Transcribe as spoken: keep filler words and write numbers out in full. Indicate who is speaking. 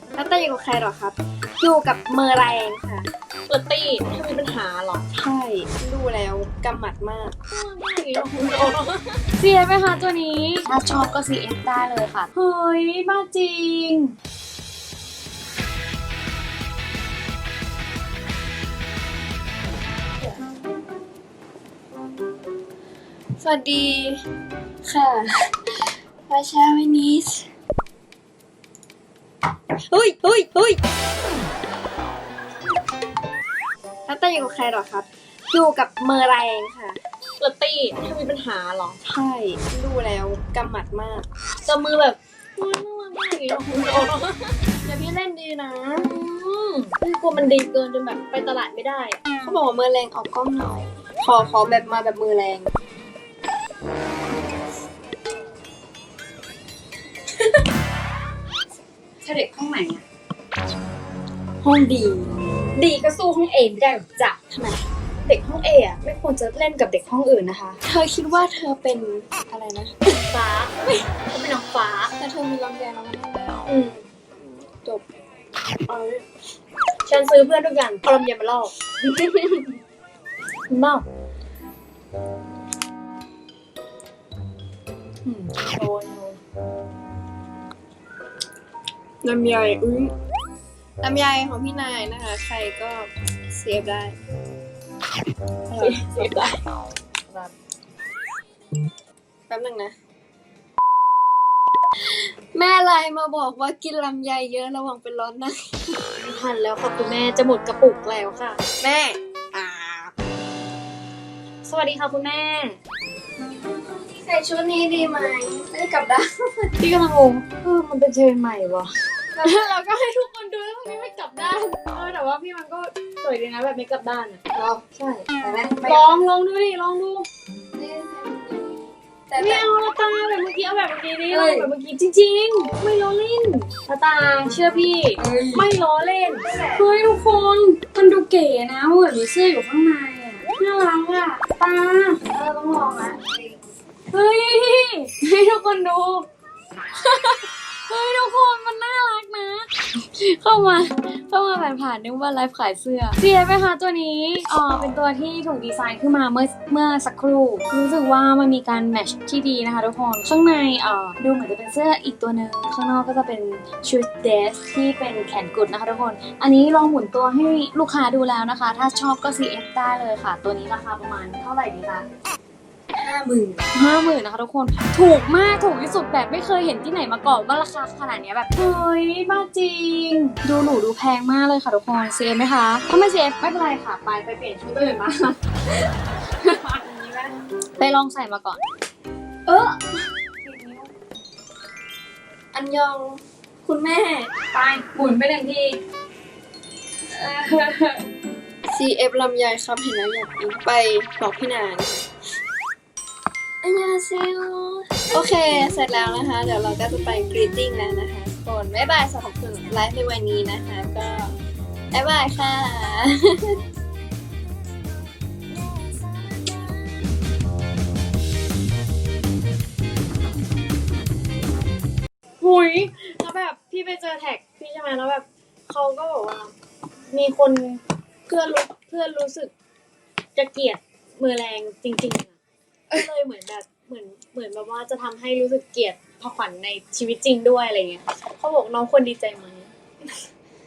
Speaker 1: แล้วเต้อยู่กับใครหรอครับ อยู่กับเมอร์แรงค่ะ
Speaker 2: เปิดตี้เธอมีปัญหาเหรอ
Speaker 1: ใช่ดูแล้วกำหมัดมาก
Speaker 2: ไม่อย่างนี้หรอกคุณโอ
Speaker 3: เสียไหมคะตัวนี้ ถ้าชอบก็ ซี เอฟ ได้เลยค่ะ เฮ้ยบ้าจริง
Speaker 1: สวัสดีค่ะราชาเวนิสเฮ้ยเฮ้ยเฮ้ยแล้วเต้อยู่กับใครหรอครับ อยู่กับเมอร์แรงค่ะ
Speaker 2: เปิดตี้เธอมีปัญหาเหรอ
Speaker 1: ใช่ดูแล้วกำหมัดมาก
Speaker 2: จะมือแบบอุ๊ยน่ารักมากอย่างนี้หรอกคุณโอ
Speaker 1: เดี๋ยวพี่เล่นดีนะ
Speaker 2: อืมพี่กลัวมันดีเกินจนแบบไปตลาดไม่ได้อะ
Speaker 1: เขาบอกว่ามือแรงออกกล้องหน่อย ขอขอแบบมาแบบมือแรง
Speaker 3: เธอเด็กห้องไหนอะ
Speaker 1: ห้องดี
Speaker 2: ดีก็สู้ห้องเอไม่ได้หรอกจ้ะทำไมเด็กห้องเออะไม่ควรจะเล่นกับเด็กห้องอื่นนะคะ
Speaker 1: เธอคิดว่าเธอเป็นอะไรนะ
Speaker 2: ฟ้าเฮ้ยเขาเป็นน้องฟ้า
Speaker 1: แต่เธอมีลำแยงแล้วมันไม่ได้
Speaker 2: อืม
Speaker 1: จบเอา
Speaker 2: ฉันซื้อเพื่อนทุกอย่างเอาลำเย็นมาล่อ เมา
Speaker 3: อืม
Speaker 2: โดนโดน
Speaker 1: ลำไยอุ้ยลำไยของพี่นายนะคะ ใครก็เซฟได้
Speaker 2: เสียได้
Speaker 1: แป๊บนึงนะ แม่ไลน์มาบอกว่ากินลำไยเยอะระวังเป็นร้อนนะ
Speaker 2: ไม่ทันแล้วค่ะคุณแม่จะหมดกระปุกแล้วค่ะ
Speaker 1: แม่อ่า
Speaker 2: สวัสดีค่ะคุณแม่
Speaker 1: ใส่ชุดนี้ดีไหมได้กลับด้าน
Speaker 2: พี่กำลังงงเออมันเป็นเทรนด์ใหม่วะ
Speaker 1: เราก็ให้ทุกคนดูแล้วพวกนี้ไม่กลับด้าน
Speaker 2: เออแต่ว่าพี่มันก็สวยดีนะแบบไม่กลับด้านอ่ะ
Speaker 1: เรา
Speaker 2: ใช่
Speaker 1: ไปไหมไป
Speaker 2: ลองลองดูดิลองดู
Speaker 1: แต่
Speaker 2: ไม่
Speaker 1: แต่
Speaker 2: เอาละตาแบบเมื่อกี้เอาแบบเมื่อกี้นี่
Speaker 1: เอ้
Speaker 2: ลอย งแบบเมื่อกี้จริงๆ ไม่ล้อเล่นละตาเชื่อพี่ ไม่ล้อเล่น
Speaker 3: เฮ้ยทุกคน มันดูเก๋นะเหมือนมีเสื้ออยู่ข้างในอะน่ารักอะตาเออต้องลองละเฮ้ย ให้ทุกคนดู เฮ้ยทุกคนมันน่ารักนะ เข้ามาเข้ามาผ่านผ่านๆนึกว่าไลฟ์ขายเสื้อเสียไหมคะตัวนี้อ๋อเป็นตัวที่ถูกดีไซน์ขึ้นมาเมื่อเมื่อสักครู่รู้สึกว่ามันมีการแมทช์ที่ดีนะคะทุกคนข้างในเอ่อดูเหมือนจะเป็นเสื้ออีกตัวหนึ่งข้างนอกก็จะเป็นชุดเดรสที่เป็นแขนกุดนะคะทุกคนอันนี้ลองหมุนตัวให้ลูกค้าดูแล้วนะคะ ถ้าชอบก็ ซี เอฟ ได้เลยค่ะ ตัวนี้ราคาประมาณเท่าไหร่ดีคะ
Speaker 1: ห้าหมื่น
Speaker 3: ห้าหมื่นนะคะทุกคนถูกมากถูกที่สุดแบบไม่เคยเห็นที่ไหนมาก่อนว่าราคาขนาดเนี้ยแบบเฮ้ยบ้าจริง ดูหนูดูแพงมากเลยค่ะทุกคนเซฟไหมคะถ้าไม่เซฟไม่เป็นไรค่ะไปไปเปลี่ยนชุดตัวอื่นมา ไปลองใส่มาก่อน
Speaker 1: เอออันยองคุณแม่
Speaker 3: ไปหมุนไปหนึ่งที
Speaker 1: ซี เอฟ ลำไยครับเห็นแล้วอยากกินไปบอกพี่นานอันยาเซลโอเค เสร็จแล้วนะคะ เดี๋ยวเราก็จะไปกรีตติ้งแล้วนะคะทุกคนบ๊ายบายสำหรับคุณไลฟ์ในวันนี้นะคะ ก็บ๊ายบายค่ะ
Speaker 2: หุยแล้วแบบพี่ไปเจอแท็กพี่ใช่ไหมแล้วแบบเขาก็บอกว่า มีคนเพื่อนรู้เพื่อนรู้สึกจะเกลียดมือแรงจริงๆอะก็เลยเหมือนแบบเหมือนเหมือนแบบว่าจะทำให้รู้สึกเกลียดพอขวัญในชีวิตจริงด้วยอะไรเงี้ยเขาบอกน้องควรดีใจไหม